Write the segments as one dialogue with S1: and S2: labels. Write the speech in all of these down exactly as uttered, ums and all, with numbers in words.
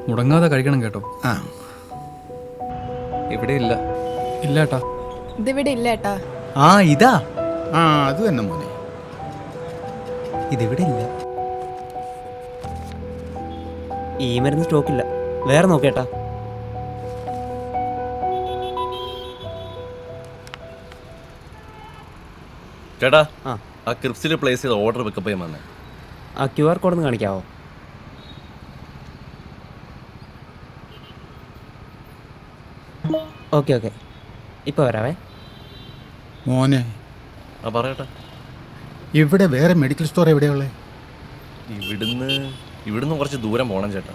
S1: മുടങ്ങാതെ കഴിക്കണം കേട്ടോ.
S2: ആ
S1: ഇവിടെ ഇല്ല. ഇല്ല ഏട്ടാ.
S3: ഇതിവിടെ ഇല്ല ഏട്ടാ.
S4: ആ ഇതാ.
S2: ആ അത് തന്നെ മോനെ.
S4: ഇതിവിടെ ഇല്ല. ഈ മരുന്ന് സ്റ്റോക്കില്ല. വേറെ നോക്കേട്ടാ.
S5: ചേട്ടാ
S4: ആ
S5: ആ ക്രിപ്സിൽ പ്ലേസ് ചെയ്ത ഓർഡർ പിക്കപ്പ് ചെയ്യാൻ വന്നേ.
S4: ആ ക്യു ആർ കോഡ് ഒന്ന് കാണിക്കാവോ? ഓക്കെ ഓക്കെ ഇപ്പോൾ വരാവേ.
S2: മോനെ
S5: ആ പറയട്ടെ.
S2: ഇവിടെ വേറെ മെഡിക്കൽ സ്റ്റോർ എവിടെയുള്ളത്?
S5: ഇവിടുന്ന് ഇവിടുന്ന് കുറച്ച് ദൂരം പോകണം ചേട്ടാ.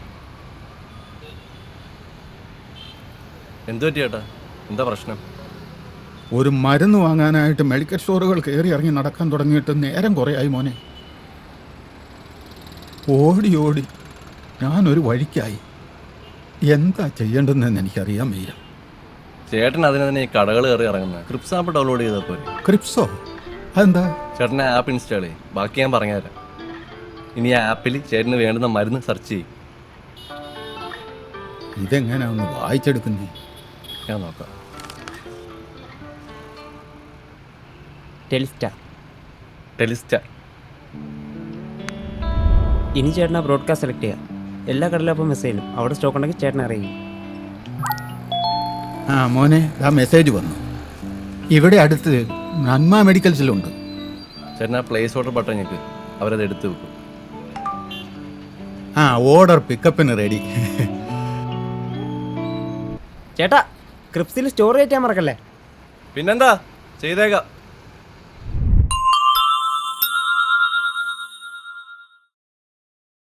S5: എന്തു പറ്റി ചേട്ടാ? എന്താ പ്രശ്നം?
S2: ഒരു മരുന്ന് വാങ്ങാനായിട്ട് മെഡിക്കൽ സ്റ്റോറുകൾ കയറി ഇറങ്ങി നടക്കാൻ തുടങ്ങിയിട്ട് നേരം കുറേയായി മോനെ. ഓടി ഓടി ഞാനൊരു വഴിക്കായി. എന്താ ചെയ്യേണ്ടതെന്ന് എനിക്കറിയാൻ വയ്യ.
S5: ചേട്ടൻ അതിന് തന്നെ ഈ കടകൾ കയറി ഇറങ്ങുന്നത്. ക്രിപ്സ് ആപ്പ് ഡൗൺലോഡ് ചെയ്താൽ പോരെ.
S2: ക്രിപ്സോ? അതെന്താ?
S5: ചേട്ടനെ ആപ്പ് ഇൻസ്റ്റാൾ ചെയ്യും. ബാക്കി ഞാൻ പറഞ്ഞുതരാം. ഇനി ആ ആപ്പിൽ ചേട്ടന് വേണ്ടുന്ന മരുന്ന് സെർച്ച് ചെയ്യും.
S2: ഇതെങ്ങനെയാ ഒന്ന് വായിച്ചെടുക്കുന്നേ?
S5: ഞാൻ നോക്കാം.
S4: ടെലിസ്റ്റാർ.
S5: ടെലിസ്റ്റാർ.
S4: ഇനി ചേട്ടൻ ആ ബ്രോഡ്കാസ്റ്റ് സെലക്ട് ചെയ്യാം. എല്ലാ കടലും അപ്പോൾ മെസ്സേജും അവിടെ സ്റ്റോക്ക് ഉണ്ടെങ്കിൽ ചേട്ടൻ അറിയിക്കും.
S2: ആ മോനെ, ആ മെസ്സേജ് വന്നു. ഇവിടെ അടുത്ത് നന്മ മെഡിക്കൽസിലുണ്ട്.
S5: ചേട്ടൻ ആ പ്ലേസ് ഓർഡർ ബട്ടൺ ഞെക്ക്. അവരത് എടുത്ത് വെക്കും.
S2: ആ ഓർഡർ പിക്കപ്പിന് റെഡി.
S4: ചേട്ടാ ക്രിപ്സിൽ സ്റ്റോർ ചെയ്യാൻ മറക്കല്ലേ.
S5: പിന്നെന്താ ചെയ്തേക്കാം.